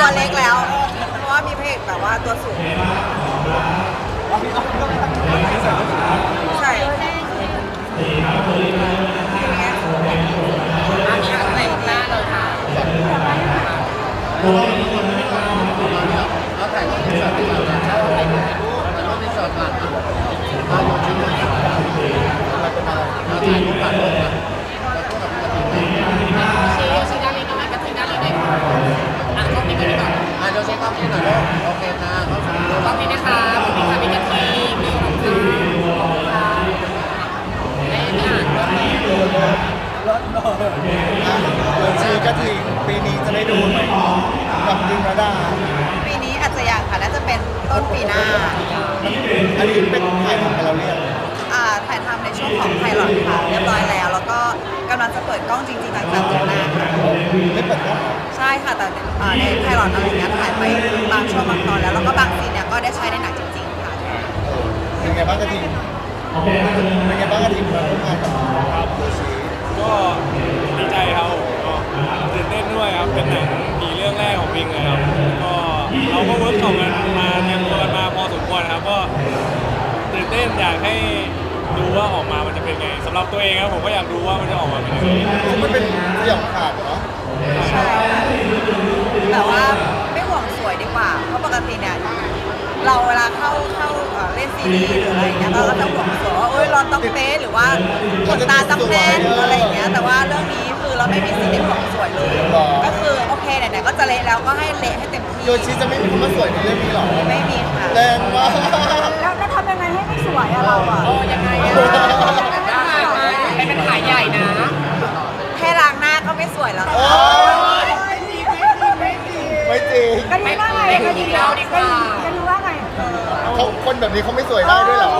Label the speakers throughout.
Speaker 1: ตัวเล็กแล้วเพราะว่ามีเพลงแบบว่าตัวสูงใช่
Speaker 2: อันนี้อะไรหน้าเลยค่ะแล้วถ่ายรูปที่สอดที่เราจะถ่ายรูปที่สอดก่อนถ่ายรูปที่สอดก่อนเราเป็นอะไรเราถ่ายรูปก่อนรูปก่อนแล้วก็กับชี้ด้านนี้ก็ไม่กระทิ้งด้านนี้ได้ค่ะอ่ะกล้องนี้ก็ได้ก่อนเดี๋ยวเช็คกล้องนี้หน่อยโอเคค่ะกล้องนี้นะคะกล้องนี้ค่ะมีกระทิ้งมีรองเท้าได้อ่านกล้องนี้ชีกระทิงปีนี้จะได้ดูไหมกับดินระดา
Speaker 1: ปีนี้อาจจะยังค่ะน่าจะเป็นต้นปีหน้า
Speaker 2: อันนี้เป็นถ่ายทำไปแล้วเรียก
Speaker 1: ถ่ายทำในช่วงของไพลอตค่ะเรียบร้อยแล้วแล้วก็กำลังจะเปิดกล้องจริงๆหลังจากจบหน้าค่ะ
Speaker 2: ไม่เปิดกล้อง
Speaker 1: ใช่ค่ะแต่ในไพลอตอะไรเงี้ยถ่ายไปบางช่วงบางตอนแล้วก็บางซีนเนี่ยก็ได้ใช้ในหนังจริงๆค่ะ
Speaker 2: เป็นไงบ้างกระทิงเป็นไงบ้างกระทิงมาร่วมงานกับโยชิ
Speaker 3: ก็ดีใจครับก็ตื่นเต้นด้วยครับเป็นหนังผีเรื่องแรกของพิงเลยครับก็เราก็เวิร์กช็อปกันมาเตรียมตัวกันมาพอสมควรครับก็ตื่นเต้นอยากให้ดูว่าออกมามันจะเป็นไงสำหรับตัวเองครับผมก็อยากดูว่ามันจะออกมาเป็นยังไง
Speaker 2: มันเป็นสยองขาดเหรอ
Speaker 1: ใช่แต่ว่าไม่ห่วงสวยดีกว่าเพราะปกติเนี่ยเราเวลาเข้าเล่นซีรีส์หรืออะไรเงี้ยเราก็จะห่วงสวยว่าเราต้องเป๊ะหรือว่าขนตาต้องแน่นอะไรอย่างเงี้ยแต่ว่าเรื่องนี้คือเราไม่มีซีรีส์ห่วงสวยเลยก็คือโอเคไหนๆก็จะเละแล้วก็ให้เละให้เต็มที่
Speaker 2: โยชิจะไม่มีคำว่าสวยในเรื่องนี้หรอ
Speaker 1: ไม่มีค่ะ
Speaker 2: แรงมาก
Speaker 1: แล้วทำยังไงให้ไม่สวยอะเราอะ
Speaker 2: ยังไง
Speaker 1: เป็นขายใหญ่นะแค่ล้างหน้าก็ไม่สวยแล้ว
Speaker 2: ไม่จริง
Speaker 1: กันรู้ว่าไงกันรู้ว่าดีกว่ากันรู้ว่าไง
Speaker 2: เขาคนแบบนี้เขาไม่สวยได้ด้วยเหรอ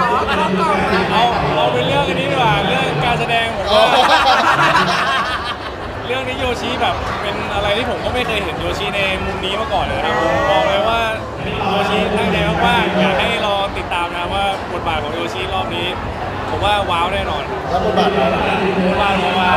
Speaker 3: เอาเป็นเรื่องอันนี้ดีกว่าเรื่องการแสดงผมเรื่องนี้โยชิแบบเป็นอะไรที่ผมก็ไม่เคยเห็นโยชิในมุมนี้มาก่อนเลยนะครับผมบอกเลยว่าโยชิตั้งใจมากๆอยากให้รอติดตามนะว่าบทบาทของโยชิรอบนี้ผมว่าว้าวแน่นอน
Speaker 2: แล้วบทบาทอะไร
Speaker 3: บทบาทเพราะว่า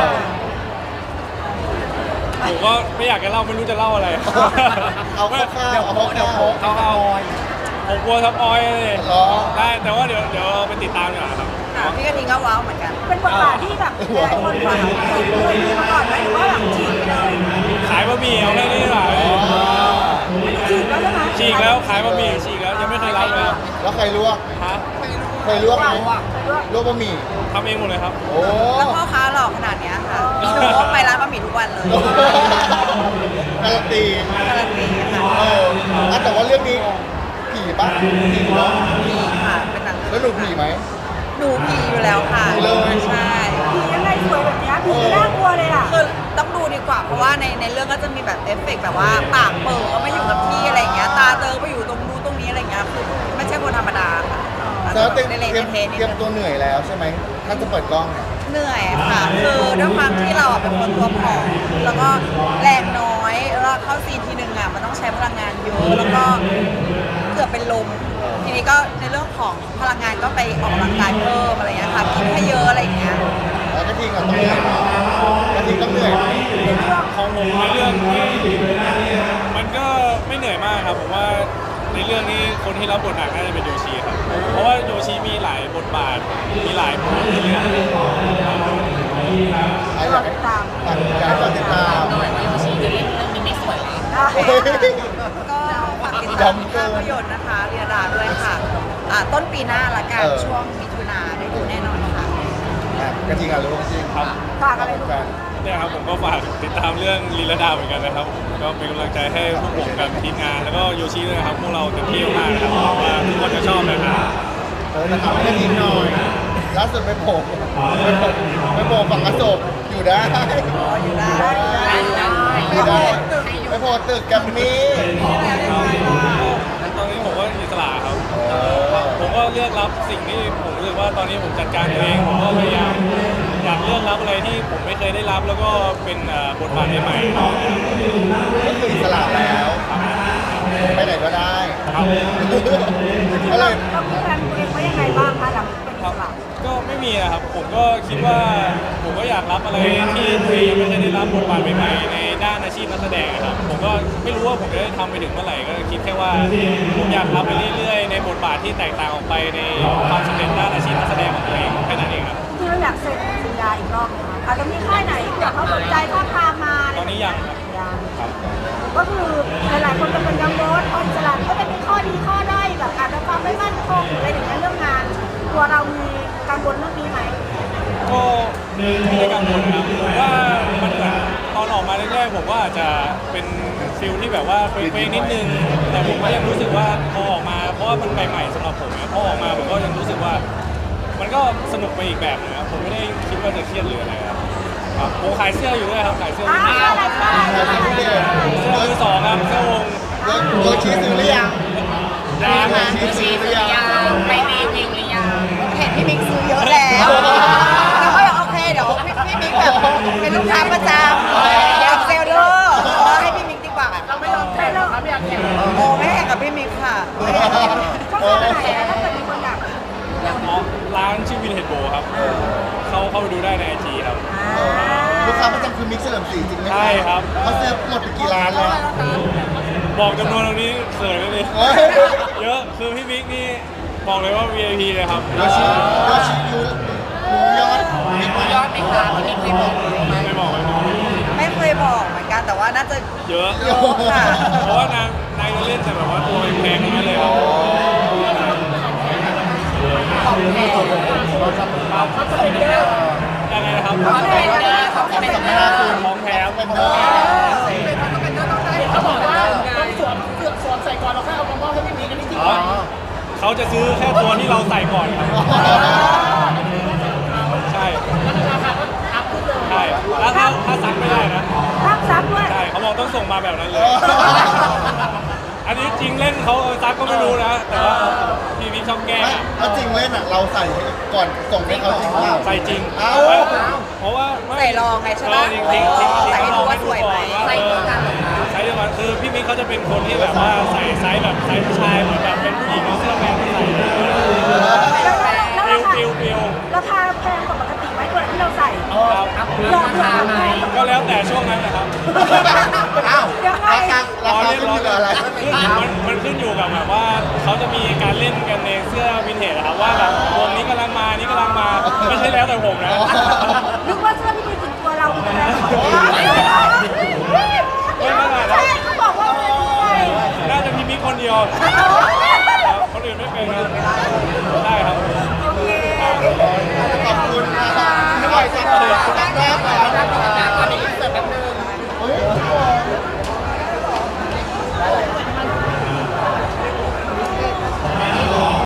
Speaker 3: ผมก็ไม่อยากจะเล่าไม่รู้จะเล่าอะไร
Speaker 2: เอาข้าวเอา
Speaker 3: ผมกลัวทับออยเลยได้แต่ว่าเดี๋ยวไปติดตามกันครับ
Speaker 1: พี่กระทิงก็ว้าวเหมือนกันเป็นบทบาทที่แบบหลายคนฟังเคยมีมาก่อนไหมหรือว่าแบบฉีกไปเลย
Speaker 3: ขายบะหมี่เอาแค่นี้ดีกว่า
Speaker 1: ฉีกแล้วใช่ไหม
Speaker 3: ฉีกแล้วขายบะหมี่ฉีกแล้วยังไม่เคยรับเลย
Speaker 2: แล้วใครลวก
Speaker 3: ฮะ
Speaker 2: เคยลวกไหมลวกบะหมี่
Speaker 3: ทำเองหมดเลยครับ
Speaker 2: โอ้
Speaker 1: แล้วพ่อค้าหล่อขนาดนี้ค่ะหนูไปร้านบะหมี่ทุกวันเลย
Speaker 2: การันตีค่ะแต่ว่าเรื่องนี้ผีป่ะผีเนาะ
Speaker 1: ผีค่ะเป็นหนัง
Speaker 2: แล้วหนูผีไหม
Speaker 1: หนูผีอยู่แล้วค่ะ
Speaker 2: เลย
Speaker 1: ใช่ผียังไงสวยแบบนี้ผีน่ากลัวเลยอ่ะคือต้องดูดีกว่าเพราะว่าในเรื่องก็จะมีแบบเอฟเฟกต์แบบว่าปากเปิดก็ไม่อยู่กับที่อะไรอย่างเงี้ยตาเติมไปอยู่ตรงนู้นตรงนี้อะไรอย่างเงี้ยคือไม่ใช่คนธรรมดาค่ะ
Speaker 2: แล้วเตรียมตัวเหนื่อยแล้วใช่ไหมถ้าจะเปิดกล้อง
Speaker 1: เหนื่อยค่ะคือด้วยความที่เราเป็นคนตัวผอมแล้วก็แรงน้อยแล้วเข้าซีนทีนึงอ่ะมันต้องใช้พลังงานเยอะแล้วก็เกือบเป็นลมทีนี้ก็ในเรื่องของพลังงานก็ไปออกกำลังกายเพิ่มอะไรเงี้ยค่ะกินให้เยอะอะไรอย่างเงี้ย
Speaker 2: แล้วกระทิงต้องเหนื่อยกระทิงต้องเหนื่อย
Speaker 3: ของผมในเรื่องนี้มันก็ไม่เหนื่อยมากครับผมว่าในเรื่องนี้คนที่รับบทหนักน่าจะเป็นโยชิครับเพราะว่าโยชิมีหลายบทบาทมีหลายบทในเรื่อง
Speaker 2: อยากติดตาม
Speaker 1: หน่อยว่าโยชิจะเล่นเรื่องนี้ไม่สวยก็ฝากติดตามภาพยนตร์นะคะเรียดาด้วยค่ะต้นปีหน้าละกันช่วงมิถุนาได้ดูแน่นอนค่ะ
Speaker 2: กระทิงรู้จริง
Speaker 3: ครับ
Speaker 1: ฝากอะไร
Speaker 3: เนี่ยครับผมก็ฝากติดตามเรื่องลีลาดาเหมือนกันนะครับก็เป็นกำลังใจให้พวกผมกับทีมงานแล้วก็โยชิด้วยนะครับพวกเราเต็มที่มากนะครับว่าทุกคนจะชอบนะครับ
Speaker 2: นะครับให้กระทิงหน่อยล่าสุดไปโผล่ฝั่งอโศกอยู่ได้ไปโผล่ตึกกับมี่
Speaker 3: ตอนนี้ผมก็อิสระครับผมก็เลือกรับสิ่งที่ผมรู้สึกว่าตอนนี้ผมจัดการตัวเองผมก็พยายามอยากเลือกรับอะไรที่ผมไม่เคยได้รับแล้วก็เป็นบทบาทใหม่ๆ
Speaker 2: ก็คืออิสระแล้วไปไหนก็ได้
Speaker 3: ครับ
Speaker 2: อะไร
Speaker 1: ต้องมีแผนตัวเองไว้ยังไงบ้างคะหลังเป็นอิสระ
Speaker 3: ก็ไม่มีนะครับผมก็คิดว่าผมก็อยากรับอะไรที่ตัวเองไม่เคยได้รับบทบาทใหม่ๆในด้านอาอาชีพนักแสดงนะครับผมก็ไม่รู้ว่าผมจะได้ทำไปถึงเมื่อไหร่ก็คิดแค่ว่าผมอยากทำไปเรื่อยๆในบทบาทที่แตกต่างออกไปในความสำเร็จด้านอาชีพนักแสดงของตัวเองแค่นั้นเองครับ
Speaker 4: ที่เราอยากเซ็นสัญญาอีกรอบไหมคะอาจจะมีค่ายไหนที่เขาสนใจท้าบทามมา
Speaker 3: ตอนนี้ยังครับ
Speaker 4: ยัง
Speaker 3: ครับ
Speaker 4: ก็คือหลายๆคนจะเป็นกังวลอิสระก็จะมีข้อดีข้อด้อยแบบอาจจะความไม่มั่นคงหรืออะไรอย่างเงี้ยเรื่องงานตัวเรามีกังวลเรื่องนี้ไหม
Speaker 3: ก็ไม่ได้กังวลครับผมว่ามันเหมือนตอนออกมาแรกๆผมว่าอาจจะเป็นฟิลที่แบบว่าเฟกๆนิดนึงแต่ผมก็ยังรู้สึกว่าพอออกมาเพราะว่ามันใหม่ๆสำหรับผมนะพอออกมาผมก็ยังรู้สึกว่า มันก็สนุกไปอีกแบบนึงครับผมไม่ได้คิดว่าจะเครียดหรืออะไรครับครับผมขายเสื้ออยู่ด้วยครับขายเสื้อ
Speaker 4: อ้าวอะไรก็ได้
Speaker 3: เสื้อมือสองครับเสื้อวง
Speaker 2: โยชิซื้อหรือยัง
Speaker 3: ยาง
Speaker 2: โยชิซื้อหรือยัง
Speaker 1: ไปรีวิวหรือยังเห็นพี่มิกซื้อเยอะแล้วแล้วก็โอเคเดี๋ยวพี่มิกแบบเป็นลูกค้าประจำอยากเซลเดอร์ให้พี่มิกดีกว่า
Speaker 2: เราไม่ยอมแข่งเราไม่อยากแข่ง
Speaker 1: โอ้ไม่แข่งกับพี่มิกค่ะไม่ได้แข่ง
Speaker 4: ช่องทางไหนอะถ้าเกิดมีคนอยาก
Speaker 3: อ๋อร้านชื่อวินเฮดโบครับเข้าไปดูได้ในไอจีครับ
Speaker 2: ลูกค้าประจำคือมิกซ์เฉลิมศรีจริงไหม
Speaker 3: ใช่ครับ
Speaker 2: เขาซื้อหมดไปกี่ล้านแล้ว
Speaker 3: บอกจำนวนตรงนี้เขินเลยดิ
Speaker 2: เฮ้ย
Speaker 3: เยอะคือพี่มิกนี่บอกเลยว่า VIP เลยครับ
Speaker 2: โยชิรู้ยอดมิกรู้ยอดไหมคะมิกเคยบอกไหม
Speaker 3: ไม่บอกไม่บอก
Speaker 1: ไม่เคยบอกเหมือนกันแต่ว่าน่าจะ
Speaker 3: เยอะ
Speaker 1: เยอะค่ะ
Speaker 3: เพราะว่านางจะเล่นแต่แบบว่าตัวแพงๆทั้งนั้นเลยครับ
Speaker 2: เขาจะเป็นเรื่อง
Speaker 3: ยังไงนะครับ
Speaker 2: เขาจะเป็นเรื่องเขาจะเป็นเรื่อง
Speaker 3: ของแถม
Speaker 2: เป็นเรื่องเขาบอกว่าต้องสวมใส่ก่อนเราแค่เอามามอบให้พี่มิกกันจริง
Speaker 3: อ๋อเขาจะซื้อแค่ตัวที่เราใส่ก่อนครับใช่ใช่แล้วถ้าซักไม่ได้นะ
Speaker 4: รับทรัพย์ด้วย
Speaker 3: ใช่เขาบอกต้องส่งมาแบบนั้นเลย อันนี้จริงเล่นเขาซักก็ไม่รู้นะ แต่ว่าพี่มิกชอบแกล้งอะ
Speaker 2: ถ้าจริงเล่นอ่ะเราใส่ก่อนส่งให้เขาจริงเปล่า
Speaker 3: ใส่จริง
Speaker 2: เอ้า
Speaker 3: เพราะว่าไม่
Speaker 1: ใส่รองไงใช่ไหม
Speaker 3: จริงจริงจริง
Speaker 1: ใส่ให้
Speaker 3: เขาล
Speaker 1: ดู
Speaker 3: อง
Speaker 1: ว่า
Speaker 3: ให้
Speaker 1: ส
Speaker 3: ดู
Speaker 1: วย
Speaker 3: ก่
Speaker 1: ไหม
Speaker 3: อนว่าไซส์เดียวกันคือพี่มิกเขาจะเป็นคนที่แบบว่าใส่ไซส์แบบไซส์ผู้ชายเหมือนแบบเป็นผู้หญิงเอาเสื้อแมนที่ใส่
Speaker 4: แล้ว
Speaker 3: ฟิลฟิล
Speaker 4: ราคาแพงกว่าปกติไหมตัวที่เราใส่
Speaker 3: ครับ
Speaker 4: ลองราคาไหม
Speaker 3: ก็แล้วแต่ช่วงนั้นนะครับ
Speaker 2: อ้าว
Speaker 4: ยังไง
Speaker 2: ราคาขึ้นอยู่กับอะไร
Speaker 3: มันขึ้นอยู่กับแบบว่าเขาจะมีการเล่นกันในเสื้อวินเทจอะครับว่าแบบวงนี้กำลังมานี่กำลังมาไม่ใช่แล้วแต่ผมนะ
Speaker 4: นึกว่าเสื้อที่มีถึงตัวเราคือแพงกว่า